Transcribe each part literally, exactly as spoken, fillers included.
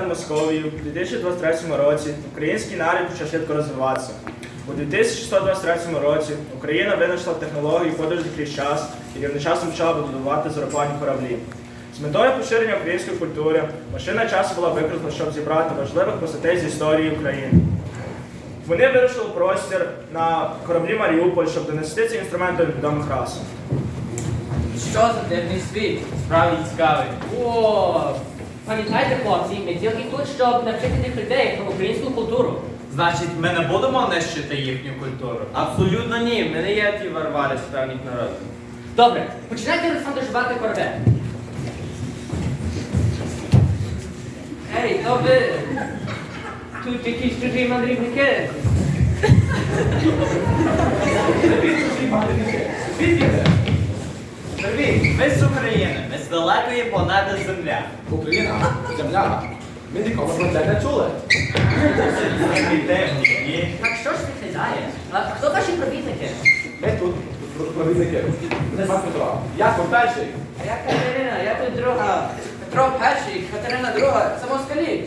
над Московією у дві тисячі двадцять третьому році український народ почав швидко розвиватися. У дві тисячі сто двадцять третьому році Україна винайшла технологію подорожі крізь час і одночасно почала будувати зороплені кораблі. З метою поширення української культури машина часу була використана, щоб зібрати важливих постатей з історії України. Вони вирушили в простір на кораблі Маріуполь, щоб донести ці інструменти до відомих рас. Що за дивний світ? Справді цікавий. О, пам'ятайте, хлопці, ми тільки тут, щоб навчити тих людей про українську культуру. Значить, ми не будемо нищити їхню культуру? Абсолютно ні, ми не є ті варвари з певних народів. Добре, починайте, Олександр, жувати корабель. Ей, то ви... Тут якісь чужі мандрівники. Привіт, ми з України, ми з далекої планети Земля. Україна, земля. Ми ніколи про це не чули. Так що ж виглядає? А хто ваші провідники? Ми тут провідники. Не пан Петро. Я тут перший. А я Катерина, я тут друга. Петро перший, Катерина друга. Це москалі.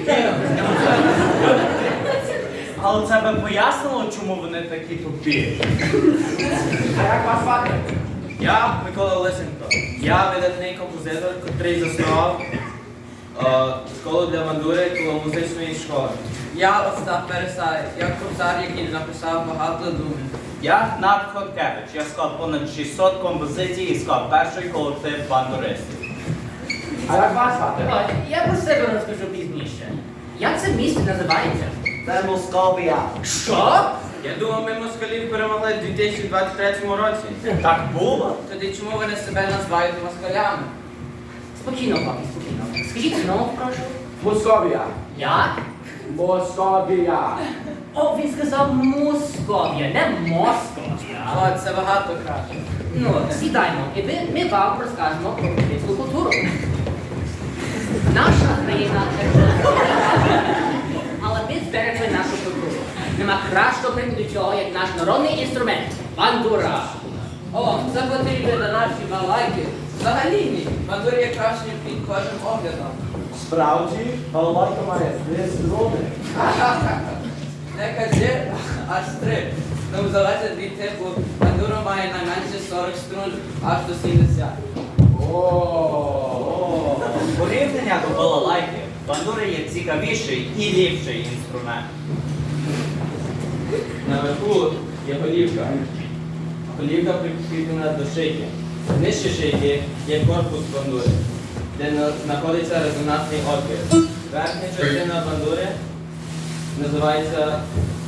Але це би пояснило, чому вони такі тупі. А як вас звати? Я Микола Лисенко. Я видатний композитор, який заснував е, школу для мандури коло музичної школи. Я Остап Пересай, я кобзар, який написав багато думів. Я Гнат Хоткевич, я склав понад шістсот композицій і склав перший колектив бандуристів. А як вас звати? Давайте, я про себе розкажу пізніше. Як це місто називається? Це Московія. Що? Я думав, ми москалів перемогли в дві тисячі двадцять третьому році. Так було? Тоді чому вони себе називають москалями? Спокійно, папі, спокійно. Скажіть знову, прошу. Московія. Як? Московія. О, він сказав Московія, не Московія. О, це багато краще. Ну, сідаймо, і ви, ми вам розкажемо про українську культуру. Наша країна але ми зберегли нашу культуру. Нема кращого прикладу цього, як наш народний інструмент – бандура. О, це потрібно на наші балайки. Взагалі ні. Бандур є кращим під кожним оглядом. Справді, балалайка має три струни. Не кажи, аж три. Ну, залежить від типу, бандура має найменше сорок струн, аж до сімдесят. О. Порівняння до балалайки, бандури є цікавіший і ліпший інструмент. Наверху є голівка. Голівка прикріплена до шийки. Нижче шийки є корпус бандури, де на- знаходиться резонансний отвір. Верхня частина бандури називається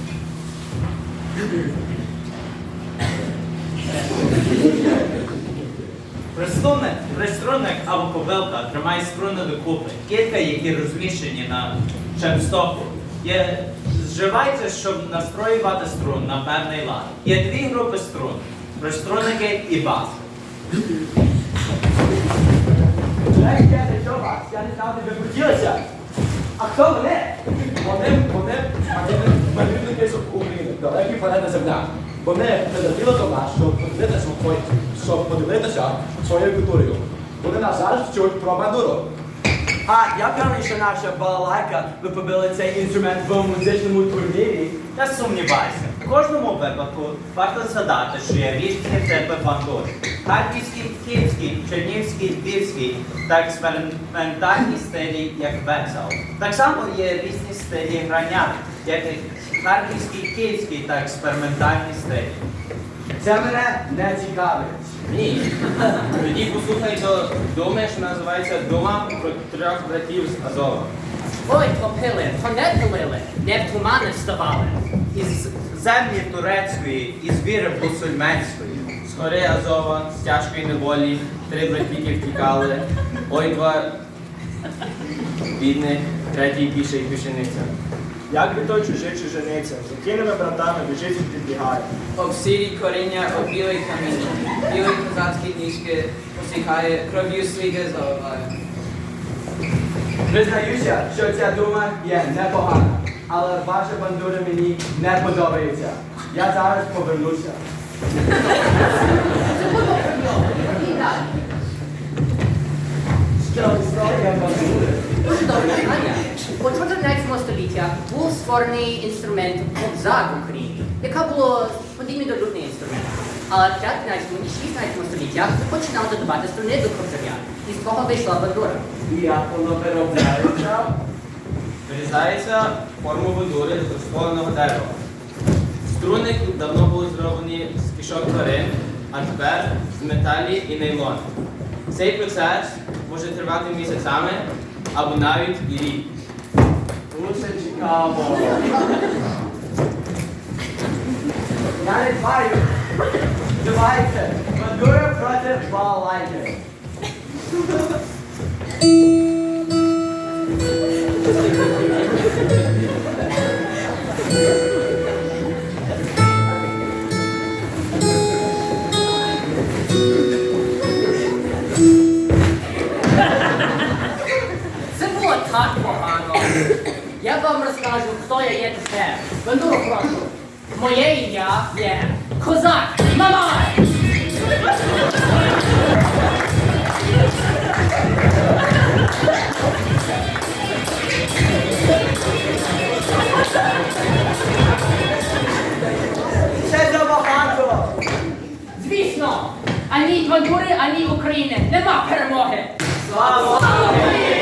Приструнник, приструнник або кобилка тримає струни докупи. Кілька, які розміщені на чемстоку, є зживаються, щоб настроювати струн на певний лад. Є дві групи струн – приструнники і бас. Ей, дядя, що вас? Я не знав, де ви крутилися. А хто вони? Вони, вони, мандрівники з України, далекі планети Земля. Вони прилетіли до нас, щоб подивитися, щоб подивитися своєю культурою. Вони нас зараз вчуть про бандуру. А я певний, що наша балалайка, ви побили цей інструмент в музичному турнірі. Не сумнівайся, в кожному випадку варто згадати, що є різні типи бандур. Харківський, київський, чернігівський, львівський та експериментальні стилі, як весел. Так само є різні стилі грання, як і харківський, київський та експериментальні стилі. Це мене не цікавить. ні. Тоді послухай до думи, що називається Дума про трьох братів з Азова. Ой, топили, то не пилили, не в тумани вставали. Із землі турецької, із віри мусульменської. З гори Азова, з тяжкої неволі, три братіки втікали. Ой, два бідних, третій піший пішениця. Як від той чужий чужиниця, з якими братами біжить і підбігає. Об сірі коріння, об білий каміння. Білий козацькі ніжки посіхає, кров'ю сліди заливає. Признаюся, що ця дума є непогана, але ваша бандура мені не подобається. Я зараз повернуся. Що історія бандури? Дуже добре питання. століття був створений інструмент кобзар в Україні, яка була подібний до лютний інструмент. Але в п'ятнадцятому і шістнадцятому століттях починали додавати струни до кобзаря, і з того вийшла бандура. І як воно виробляється? Вирізається форму бандури з розпаленого дерева. Струни давно були зроблені з кишок тварин, а тепер з металі і нейлону. Цей процес може тривати місяцями або навіть і рік. Дуже цікаво. Я не знаю. Давайте. Бандура проти балалайки. Це було так погано. Я вам розкажу, хто я є тепер. Бандуру прошу. Моє ім'я є Козак Мамай! Це забагато. Звісно, ані бандури, ані України нема перемоги! Слава Слава Україні!